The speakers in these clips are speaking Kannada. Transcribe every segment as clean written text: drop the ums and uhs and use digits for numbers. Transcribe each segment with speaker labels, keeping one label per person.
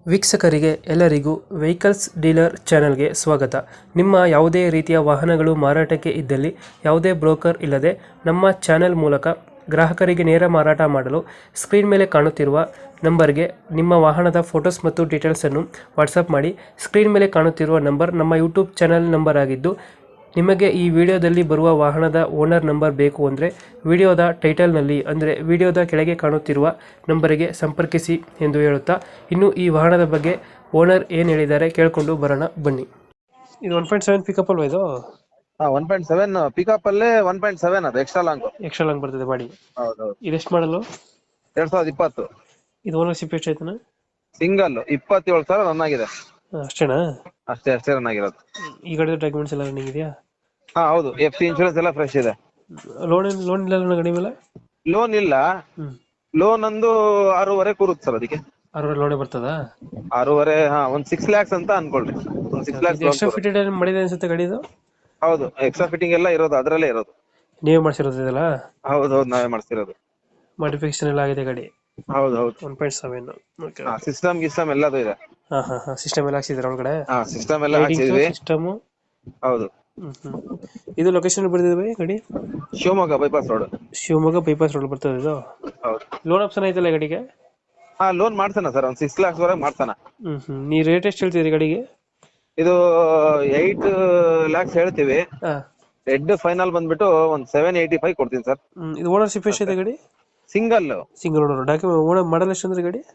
Speaker 1: ವೀಕ್ಷಕರಿಗೆ ಎಲ್ಲರಿಗೂ ವೆಹಿಕಲ್ಸ್ ಡೀಲರ್ ಚಾನೆಲ್ಗೆ ಸ್ವಾಗತ. ನಿಮ್ಮ ಯಾವುದೇ ರೀತಿಯ ವಾಹನಗಳು ಮಾರಾಟಕ್ಕೆ ಇದ್ದಲ್ಲಿ ಯಾವುದೇ ಬ್ರೋಕರ್ ಇಲ್ಲದೆ ನಮ್ಮ ಚಾನೆಲ್ ಮೂಲಕ ಗ್ರಾಹಕರಿಗೆ ನೇರ ಮಾರಾಟ ಮಾಡಲು ಸ್ಕ್ರೀನ್ ಮೇಲೆ ಕಾಣುತ್ತಿರುವ ನಂಬರ್ಗೆ ನಿಮ್ಮ ವಾಹನದ ಫೋಟೋಸ್ ಮತ್ತು ಡೀಟೇಲ್ಸನ್ನು ವಾಟ್ಸಪ್ ಮಾಡಿ. ಸ್ಕ್ರೀನ್ ಮೇಲೆ ಕಾಣುತ್ತಿರುವ ನಂಬರ್ ನಮ್ಮ ಯೂಟ್ಯೂಬ್ ಚಾನೆಲ್ ನಂಬರ್ ಆಗಿದ್ದು, ನಿಮಗೆ ಈ ವಿಡಿಯೋದಲ್ಲಿ ಬರುವ ವಾಹನದ ಓನರ್ ನಂಬರ್ ಬೇಕು ಅಂದರೆ ವಿಡಿಯೋದ ಟೈಟಲ್ನಲ್ಲಿ ಅಂದರೆ ವಿಡಿಯೋದ ಕೆಳಗೆ ಕಾಣುತ್ತಿರುವ ನಂಬರಿಗೆ ಸಂಪರ್ಕಿಸಿ ಎಂದು ಹೇಳುತ್ತಾ, ಇನ್ನು ಈ ವಾಹನದ ಬಗ್ಗೆ ಓನರ್ ಏನು ಹೇಳಿದ್ದಾರೆ ಕೇಳಿಕೊಂಡು ಬರೋಣ ಬನ್ನಿ. ಇದು 1.7 ಪಿಕಪ್ ಅಲ್ವಾ? ಇದು
Speaker 2: 1.7 ಪಿಕಪ್ ಅಲ್ಲೇ 1.7 ಅದು ಎಕ್ಸ್ಟ್ರಾ ಲಾಂಗ್
Speaker 1: ಬರ್ತದೆ ಬಾಡಿ.
Speaker 2: ಹೌದೌದು.
Speaker 1: ಇದೆಷ್ಟು ಮಾಡಲು?
Speaker 2: 2020.
Speaker 1: ಇದು ಓನರ್ಶಿಪ್ ಎಷ್ಟು ಆಯ್ತಾನ?
Speaker 2: ಸಿಂಗಲ್ 27,000 ರನ್ ಆಗಿದೆ.
Speaker 1: ಅಷ್ಟೇನಾ?
Speaker 2: ಅಷ್ಟೇ ರನ್ ಆಗಿರೋದು.
Speaker 1: ಈ ಗಾಡಿ ಡಾಕ್ಯುಮೆಂಟ್ಸ್ ಎಲ್ಲ ರನ್ನಿಂಗ್ ಇದೆಯಾ?
Speaker 2: ಹೌದು, ಎಫ್ಸಿ ಇನ್ಶೂರೆನ್ಸ್ ಎಲ್ಲ ಫ್ರೆಶ್ ಇದೆ.
Speaker 1: ಲೋನ್ ಇಲ್ಲ ಗಾಡಿ ಮೇಲೆ?
Speaker 2: ಲೋನ್ ಇಲ್ಲ. ಲೋನ್ ಒಂದು 6.5 ಕೂರುತ್ತೆ ಸರ್. ಅದಕ್ಕೆ
Speaker 1: 6 ಲೋನೇ ಬರ್ತದಾ?
Speaker 2: 6.5. ಒಂದ್ 6 lakhs ಅಂತ ಅನ್ಕೊಳ್ರಿ. ಒಂದ್ 6 lakhs
Speaker 1: ಎಕ್ಸ್ಟ್ರಾ ಫಿಟೆಡ್ ಮಾಡಿದೆ ಅನ್ಸುತ್ತೆ ಗಾಡಿ ಇದು?
Speaker 2: ಹೌದು, ಎಕ್ಸ್ಟ್ರಾ ಫಿಟ್ಟಿಂಗ್ ಎಲ್ಲ ಇರೋದು ಅದ್ರಲ್ಲೇ ಇರೋದು.
Speaker 1: ನೀವೇ ಮಾಡಿಸಿರೋದು ಇದೆಲ್ಲ?
Speaker 2: ಹೌದು, ನಾವೇ ಮಾಡಿಸ್ತಿರೋದು.
Speaker 1: ಮಾಡಿಫಿಕೇಶನ್ ಎಲ್ಲ ಆಗಿದೆ ಗಾಡಿ?
Speaker 2: ಹೌದು
Speaker 1: 1.7. ಓಕೆ.
Speaker 2: ಸಿಸ್ಟಮ್ ಎಲ್ಲ ಇದೆ.
Speaker 1: ಸಿಸ್ಟಮ್ ಎಲ್ಲ ಹಾಕ್ಸಿದ್ರೆ ಒಳಗಡೆ?
Speaker 2: ಸಿಸ್ಟಮ್ ಎಲ್ಲ ಹಾಕ್ಸಿದ್ವಿ.
Speaker 1: ಸಿಸ್ಟಮ್.
Speaker 2: ಹೌದು.
Speaker 1: ಇದು ಲೊಕೇಶನ್ ಬರ್ತಿದೆ ಗಾಡಿ?
Speaker 2: Shivamogga bypass road.
Speaker 1: Shivamogga bypass road ಬರ್ತದೆ ಇದು?
Speaker 2: ಹೌದು.
Speaker 1: ಲೋನ್ ಆಪ್ಷನ್ ಐತಲ್ಲ ಗಾಡಿಗೆ?
Speaker 2: ಲೋನ್ ಮಾಡ್ತಾನ ಸರ್, ಒಂದ್ 6 lakhs ವರೆಗೆ ಮಾಡ್ತಾನ.
Speaker 1: ನೀ ರೇಟ್ ಎಷ್ಟು ಹೇಳ್ತೀರಿ ಗಾಡಿಗೆ?
Speaker 2: ಇದು 8 lakhs ಹೇಳ್ತೀವಿ. ರೆಡ್ ಫೈನಲ್ ಬಂದ್ಬಿಟ್ಟು ಒಂದ್ 785 ಕೊಡ್ತೀನಿ ಸರ್.
Speaker 1: ಇದು ಓನರ್ಶಿಪ್ ಎಷ್ಟಿದೆ ಗಾಡಿ?
Speaker 2: Single
Speaker 1: owner. Document owner model ಎಷ್ಟು ಅಂದ್ರೆ ಗಾಡಿ?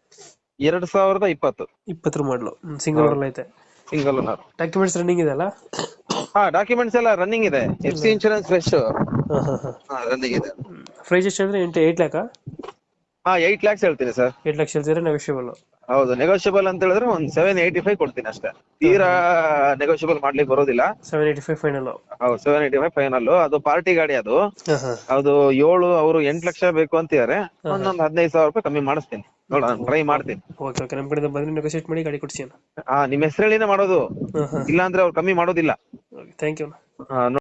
Speaker 2: 2020.
Speaker 1: 20 ಮಾಡಲು. ಸಿಂಗಲ್ ಓನರ್ ಐತೆ?
Speaker 2: Single owner.
Speaker 1: ಡಾಕ್ಯುಮೆಂಟ್ಸ್ ರನ್ನಿಂಗ್ ಇದೆ ಅಲ್ಲ?
Speaker 2: ಡಾಕ್ಯುಮೆಂಟ್ಸ್ ಎಲ್ಲ ರನ್ನಿಂಗ್ ಇದೆ. ಎಫ್ಸಿ ಇನ್ಶೂರೆನ್ಸ್ ಫ್ರೆಶ್ ರನ್ನಿಂಗ್ ಇದೆ.
Speaker 1: ಪ್ರೈಸ್ ಎಷ್ಟು ಅಂದ್ರೆ 8 ಲ್ಯಾಕ್?
Speaker 2: 8 lakhs ಹೇಳ್ತೀನಿ ಸರ್.
Speaker 1: 8 ಲಕ್ಷ ಹೇಳ್ತೀರಾ? ನೆಗೋಷಿಯಬಲ್?
Speaker 2: ಹೌದು, ನೆಗೋಷಿಯಬಲ್ ಅಂತ ಹೇಳಿದ್ರೆ ಒಂದ್ 785 ಕೊಡ್ತೀನಿ ಅಷ್ಟೇ. ತೀರಾ ನೆಗೋಷಿಯಬಲ್ ಮಾಡ್ಲಿಕ್ಕೆ ಬರೋದಿಲ್ಲ.
Speaker 1: 785 ಫೈನಲ್?
Speaker 2: ಹೌದು, 785 ಫೈನಲ್. ಅದು ಪಾರ್ಟಿ ಗಾಡಿ. ಅದು 7 ಅವರು 8 ಲಕ್ಷ ಬೇಕು ಅಂತಿದ್ದಾರೆ. ಒಂದೊಂದು 15,000 ರೂಪಾಯಿ ಕಮ್ಮಿ ಮಾಡಿಸ್ತೀನಿ. ನೋಡೋಣ, ಟ್ರೈ ಮಾಡ್ತೀನಿ.
Speaker 1: ಓಕೆ, ನಮ್ಮ ಕಡೆಯಿಂದ ಬಂದ್ರೆ ನೆಗೋಷಿಯೇಟ್ ಮಾಡಿ ಗಾಡಿ ಕೊಡ್ಸಿ.
Speaker 2: ನಿಮ್ ಹೆಸರಲ್ಲಿನೇ ಮಾಡೋದು, ಇಲ್ಲಾಂದ್ರೆ ಅವ್ರು ಕಮ್ಮಿ ಮಾಡೋದಿಲ್ಲ.
Speaker 1: Thank you.